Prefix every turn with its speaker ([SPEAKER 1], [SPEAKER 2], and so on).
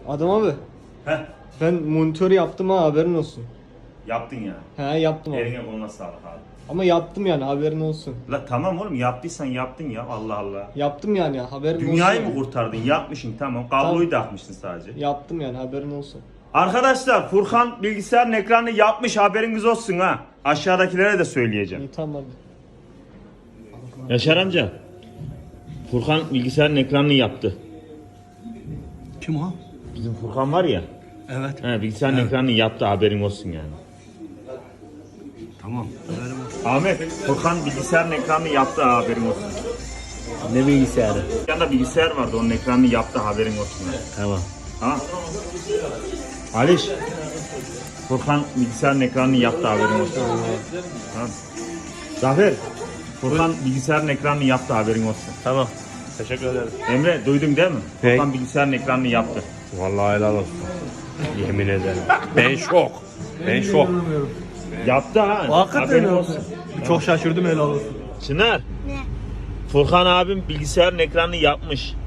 [SPEAKER 1] Adam abi
[SPEAKER 2] Heh,
[SPEAKER 1] ben monitör yaptım ha, haberin olsun.
[SPEAKER 2] yaptın ya.
[SPEAKER 1] He yaptım abi.
[SPEAKER 2] Eline koluna sağlık abi.
[SPEAKER 1] Ama yaptım yani, haberin olsun.
[SPEAKER 2] La tamam oğlum, yaptıysan yaptın ya, Allah Allah.
[SPEAKER 1] Yaptım yani, haberin
[SPEAKER 2] Dünyayı
[SPEAKER 1] olsun.
[SPEAKER 2] mı kurtardın? Yapmışsın tamam. Kabloyu takmışsın sadece.
[SPEAKER 1] Yaptım yani, haberin olsun.
[SPEAKER 2] Arkadaşlar Furkan bilgisayarın ekranını yapmış, haberiniz olsun ha. Aşağıdakilere de söyleyeceğim.
[SPEAKER 1] İyi tamam hadi.
[SPEAKER 2] Yaşar amca. Furkan bilgisayarın ekranını yaptı.
[SPEAKER 3] Kim o?
[SPEAKER 2] Bizim Furkan var ya.
[SPEAKER 3] Evet.
[SPEAKER 2] He, bilgisayarın ekranını yaptı, haberin olsun yani.
[SPEAKER 3] Tamam.
[SPEAKER 2] Ahmet, Furkan bilgisayarın ekranını yaptı, haberin olsun.
[SPEAKER 3] Ne bilgisayarı?
[SPEAKER 2] Yanında bilgisayar vardı, onun ekranını yaptı, haberin olsun yani.
[SPEAKER 3] Tamam.
[SPEAKER 2] Ha? Aliş. Furkan bilgisayarın ekranını yaptı, haberin olsun. Ha? Zafer. Furkan bilgisayarın ekranını yaptı, haberin olsun.
[SPEAKER 3] Tamam. Teşekkür ederim.
[SPEAKER 2] Emre duydun değil mi?
[SPEAKER 3] Hey.
[SPEAKER 2] Furkan bilgisayarın ekranını yaptı.
[SPEAKER 3] Vallahi helal olsun. Yemin ederim. Ben şok. Ben şok.
[SPEAKER 2] Yaptı ha.
[SPEAKER 3] Hakikaten
[SPEAKER 2] haberin
[SPEAKER 3] ya.
[SPEAKER 2] olsun.
[SPEAKER 3] Çok şaşırdım helal olsun.
[SPEAKER 2] Çınar.
[SPEAKER 4] Ne?
[SPEAKER 2] Furkan abim bilgisayarın ekranını yapmış.